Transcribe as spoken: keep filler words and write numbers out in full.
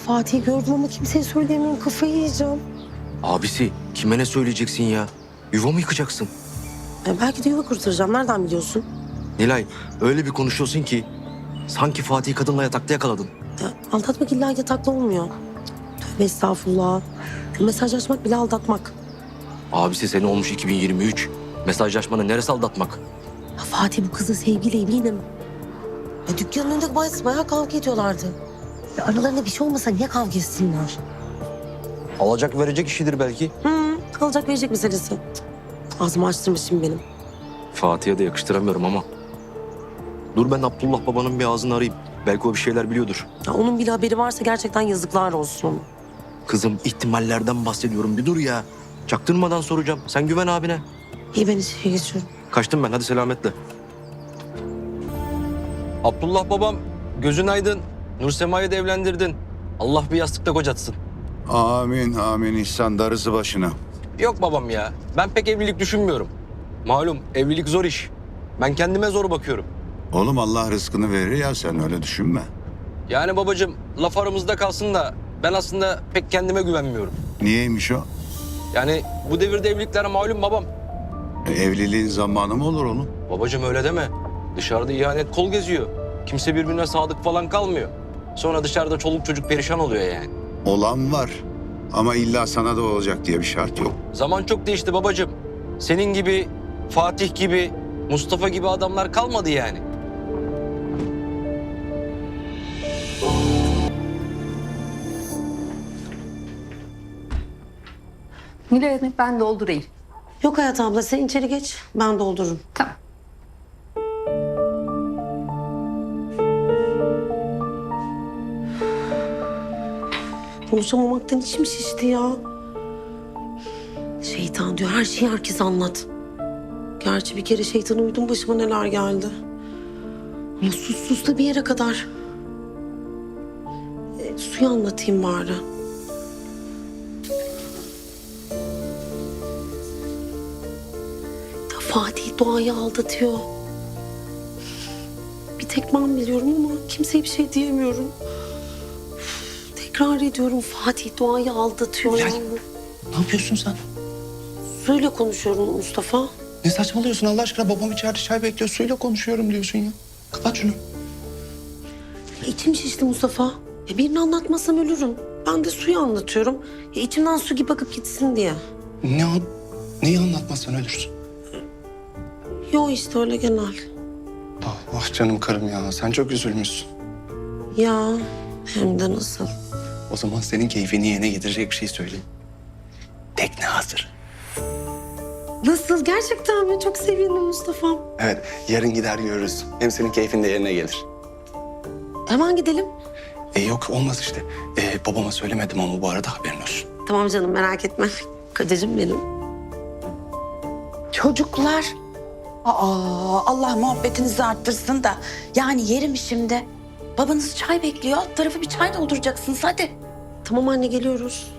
Fatih'i gördüm ama kimseye söyleyemiyorum. Kafayı yiyeceğim. Abisi kime ne söyleyeceksin ya? Yuva mı yıkacaksın? E, belki de yuva kurtaracağım. Nereden biliyorsun? Nilay öyle bir konuşuyorsun ki sanki Fatih'i kadınla yatakta yakaladın. Ya, aldatmak illa yataklı olmuyor. Tövbe estağfurullah. Mesajlaşmak bile aldatmak. Abisi seni olmuş iki bin yirmi üç. Mesajlaşmanın neresi aldatmak? Ya, Fatih bu kızla sevgili eminim. Ya, dükkanın önünde bayağı, bayağı kavga ediyorlardı. Ya, aralarında bir şey olmasa niye kavga etsinler? Alacak verecek işidir belki. Hı, alacak verecek meselesi. Cık, ağzımı açtırmış şimdi benim. Fatih'e de yakıştıramıyorum ama. Dur ben Abdullah babanın bir ağzını arayayım. Belki o bir şeyler biliyordur. Ya, onun bile haberi varsa gerçekten yazıklar olsun. Kızım ihtimallerden bahsediyorum. Bir dur ya. Çaktırmadan soracağım. Sen güven abine. İyi ben içeri geçiyorum. Kaçtım ben. Hadi selametle. Abdullah babam gözün aydın. Nursema'yı da evlendirdin. Allah bir yastıkta kocatsın. Amin amin İhsan darısı başına. Yok babam ya. Ben pek evlilik düşünmüyorum. Malum evlilik zor iş. Ben kendime zor bakıyorum. Oğlum Allah rızkını verir ya sen öyle düşünme. Yani babacığım laf aramızda kalsın da ben aslında pek kendime güvenmiyorum. Niyeymiş o? Yani bu devirde evliliklere malum babam. E, evliliğin zamanı mı olur oğlum? Babacığım öyle deme. Dışarıda ihanet kol geziyor. Kimse birbirine sadık falan kalmıyor. Sonra dışarıda çoluk çocuk perişan oluyor yani. Olan var ama illa sana da olacak diye bir şart yok. Zaman çok değişti babacığım. Senin gibi, Fatih gibi, Mustafa gibi adamlar kalmadı yani. Nilay Hanım ben doldurayım. Yok Hayat abla sen içeri geç. Ben doldururum. Tamam. Konuşamamaktan içim şişti ya. Şeytan diyor her şeyi herkese anlat. Gerçi bir kere şeytana uydum başıma neler geldi. Ama sus sus da bir yere kadar. E, suyu anlatayım bari. Ya Fatih Doğa'yı aldatıyor. Bir tek ben biliyorum ama kimseye bir şey diyemiyorum. Tekrar ediyorum Fatih Doğa'yı aldatıyor. Ya- Yani. Ne yapıyorsun sen? Suyla konuşuyorum Mustafa. Ne saçmalıyorsun Allah aşkına? Babam içeride çay bekliyor. Suyla konuşuyorum diyorsun ya. Kapat şunu. Ya içim şişti Mustafa. Ya birini anlatmasam ölürüm. Ben de suyu anlatıyorum. Ya içimden su gibi akıp gitsin diye. Ne an... Neyi anlatmazsan ölürsün. Yo işte öyle genel. Ah, ah canım karım ya. Sen çok üzülmüşsün. Ya hem de nasıl. O zaman senin keyfini yerine getirecek bir şey söyleyeyim. Tekne hazır. Nasıl gerçekten mi? Çok sevindim Mustafa. Evet, yarın gider görürüz. Hem senin keyfin de yerine gelir. Hemen gidelim. E yok olmaz işte. E, babama söylemedim ama bu arada haberin olsun. Tamam canım merak etme. Kocacığım benim. Çocuklar. Aa, Allah muhabbetinizi arttırsın da. Yani yerim şimdi. Babanız çay bekliyor. Alt tarafı bir çay dolduracaksınız hadi. Tamam anne geliyoruz.